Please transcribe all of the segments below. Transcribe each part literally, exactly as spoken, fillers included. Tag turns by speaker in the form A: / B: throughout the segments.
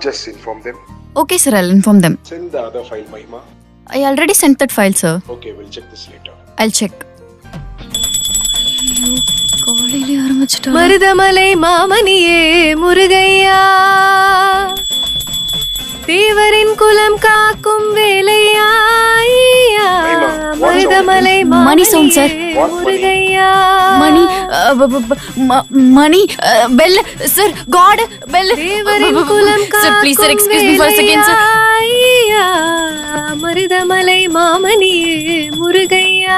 A: Just inform them.
B: Okay, sir, I'll inform them.
A: Send the other file, Mahima.
B: I already sent that file, sir.
A: Okay, we'll check this later.
B: I'll check. காலையிலே ஆரம்பிச்சிட்டா.
C: மருதமலை மாமணியே முருகையா, தேவரின் குலம் காக்கும் வேலையா, மருதமலை
B: மணி sound sir.
C: Murugaiya,
B: மணி மணி பெல் சார், காட் பெல்.
C: தேவரின் குலம்
B: sir please sir, excuse me for second sir.
C: Marudhamalai மாமணியே முருகையா.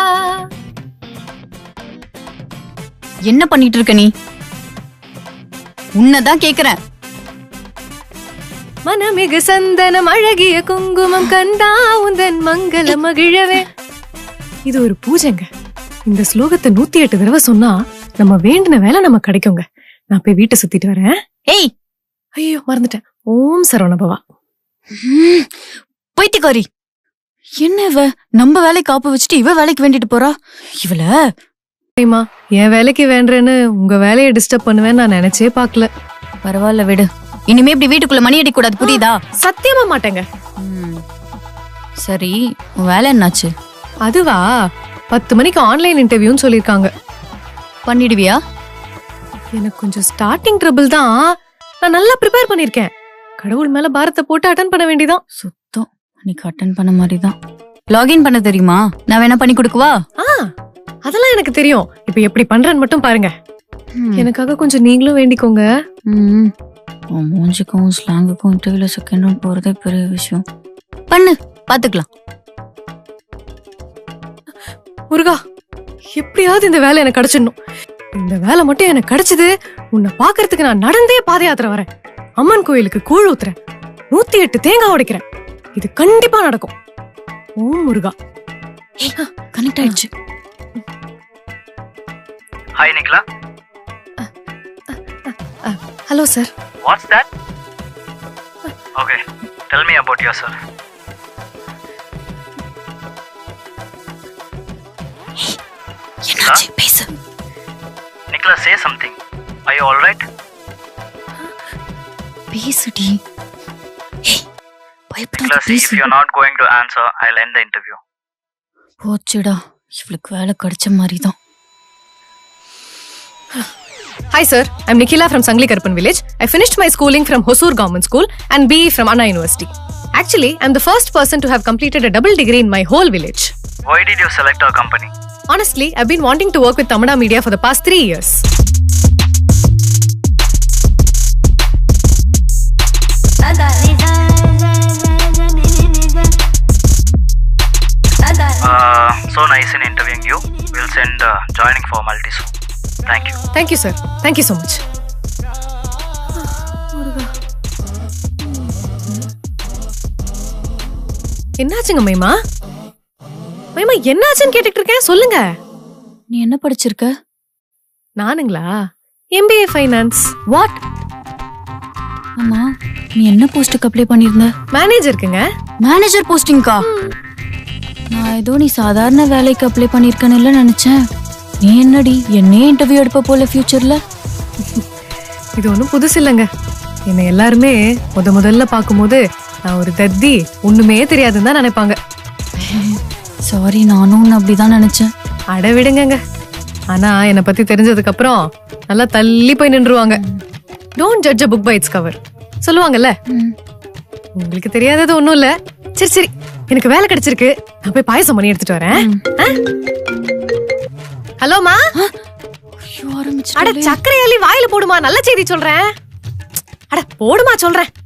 B: என்ன பண்ணிட்டு இருக்க நீ? உன்னதான் கேக்குறேன்.
C: மனமிகு சந்தனம் அழகிய குங்குமம் கண்டா உந்தன் மங்கள மகிழவே. இது ஒரு பூஜைங்க. இந்த ஸ்லோகத்தை நூத்தி எட்டு தடவை சொன்னா நம்ம வேண்டின வேலை நம்ம கிடைக்குங்க. நான் போய் வீட்டை சுத்திட்டு வரேன்.
B: ஏய்,
C: ஐயோ மறந்துட்டேன். ஓம் சரவணபவா.
B: பைத்தியக்காரி. என்ன இவ நம்ம வேலை காப்பு வச்சுட்டு இவ வேலைக்கு வேண்டிட்டு போறா? இவள
C: என் வேலைக்கு வேண்டேன்னு உங்க வேலையை டிஸ்டர்ப் பண்ணுவேன்னு நான் நினைச்சே பாக்கல.
B: பரவாயில்ல விடு. இனிமே இப்படி வீட்டுக்குள்ள மணி அடிக்க கூடாது, புரியுதா?
C: சத்தியமா மாட்டேங்க.
B: சரி, உன் வேலை என்னாச்சு?
C: அதுவா, பத்து மணிக்கு ஆன்லைன் இன்டர்வியூன்னு சொல்லிருக்காங்க.
B: பண்ணிடுவியா?
C: எனக்கு கொஞ்சம் ஸ்டார்டிங் ட்ரபிள் தான். நான் நல்லா ப்ரிப்பேர் பண்ணிருக்கேன். கடவுள் மேல பாரத்தை போட்டு அட்டன் பண்ண வேண்டியதான்.
B: சுத்தம் நீ அட்டன் பண்ண மாதிரிதான். லாகின் பண்ண தெரியுமா? நான் வேணா பண்ணி கொடுக்கவா?
C: ஆ, அதெல்லாம் எனக்கு தெரியும். இப்ப எப்படி பண்றேன்னு மட்டும் பாருங்க. எனக்காக கொஞ்சம் நீங்களும் வேண்டிக்கோங்க.
B: ம், உன் மூஞ்சிக்கும் ஸ்லாங்குக்கும் இன்டர்வியூல செகண்ட் ரவுண்ட் போறதே பெரிய விஷயம். பண்ணு, பாத்துக்கலாம்.
C: முருகா, எப்படியாவது இந்த வேலை எனக்கு கிடைச்சிடணும். இந்த வேலை மட்டும் எனக்கு கிடைச்சது, உன்னை பாக்குறதுக்கு நான் நடந்தே பாத யாத்திரை வரேன். அம்மன் கோயிலுக்கு கூழ் ஊத்துறேன், நூத்தி எட்டு தேங்காய் உடைக்கிறேன். இது கண்டிப்பா நடக்கும். ஓம் முருகா.
B: கனெக்ட் ஆயிடுச்சு.
D: Hi Nikla.
C: Hello sir.
D: What's that? Okay, tell me about yourself.
B: என்னாச்சு? பேசு.
D: Nikla, say something. Are you all right?
B: பேசுடி. ஏய், பயப்படாத,
D: Nikla, see, if
B: பேசு.
D: you're not going to answer, I'll end the interview.
B: போச்சுடா, இவளுக்கு வேலை கிடைச்ச மாதிரி தான்.
C: Hi sir, I'm Nikila from Sangli Karpan village. I finished my schooling from Hosur Government School and B E from Anna University. Actually, I'm the first person to have completed a double degree in my whole village.
D: Why did you select our company?
C: Honestly, I've been wanting to work with Tamada Media for the past three years.
D: Uh, so nice in interviewing you. We'll send uh, joining formalities soon. Thank you.
C: Thank you sir. Thank you so much. என்னாச்சுங்க மைமா? மைமா என்னாச்சுன்னு கேட்டுட்டு இருக்கேன், சொல்லுங்க.
B: நீ என்ன படிச்சிருக்க?
C: நானுங்களா, M B A Finance.
B: What? அம்மா, நீ என்ன போஸ்டுக்கு அப்ளை பண்ணிருந்த?
C: மேனேஜருக்குங்க.
B: மேனேஜர் போஸ்டிங்கா? நான் ஏதோ நீ சாதாரண வேலைக்கு அப்ளை பண்ணிருக்கன்னு இல்ல நினைச்சேன். நீ என்னடி என்னையே இன்டர்வியூ எடுப்ப போல ஃபியூச்சர்ல?
C: இது ஒன்றும் புதுசு இல்லைங்க. என்னை எல்லாருமே முத முதல்ல பார்க்கும்போது நான் ஒரு தத்தி, ஒண்ணுமே தெரியாதுன்னு தான் நினைப்பாங்க.
B: சாரி, நானும் உன்னை அப்படிதான் நினைச்சேன்.
C: அட விடுங்க. ஆனா என்னை பத்தி தெரிஞ்சதுக்கு அப்புறம் நல்லா தள்ளி போய் நின்றுவாங்க. Don't judge a book by its cover சொல்லுவாங்கல்ல. உங்களுக்கு தெரியாதது ஒண்ணும் இல்ல. சரி சரி, எனக்கு வேலை கிடைச்சிருக்கு. நான் போய் பாயசம் பண்ணி எடுத்துட்டு வரேன். ஹலோ மா. அட சக்கரை அள்ளி வாயில போடுமா, நல்ல செய்தி சொல்றேன். அட போடுமா சொல்றேன்.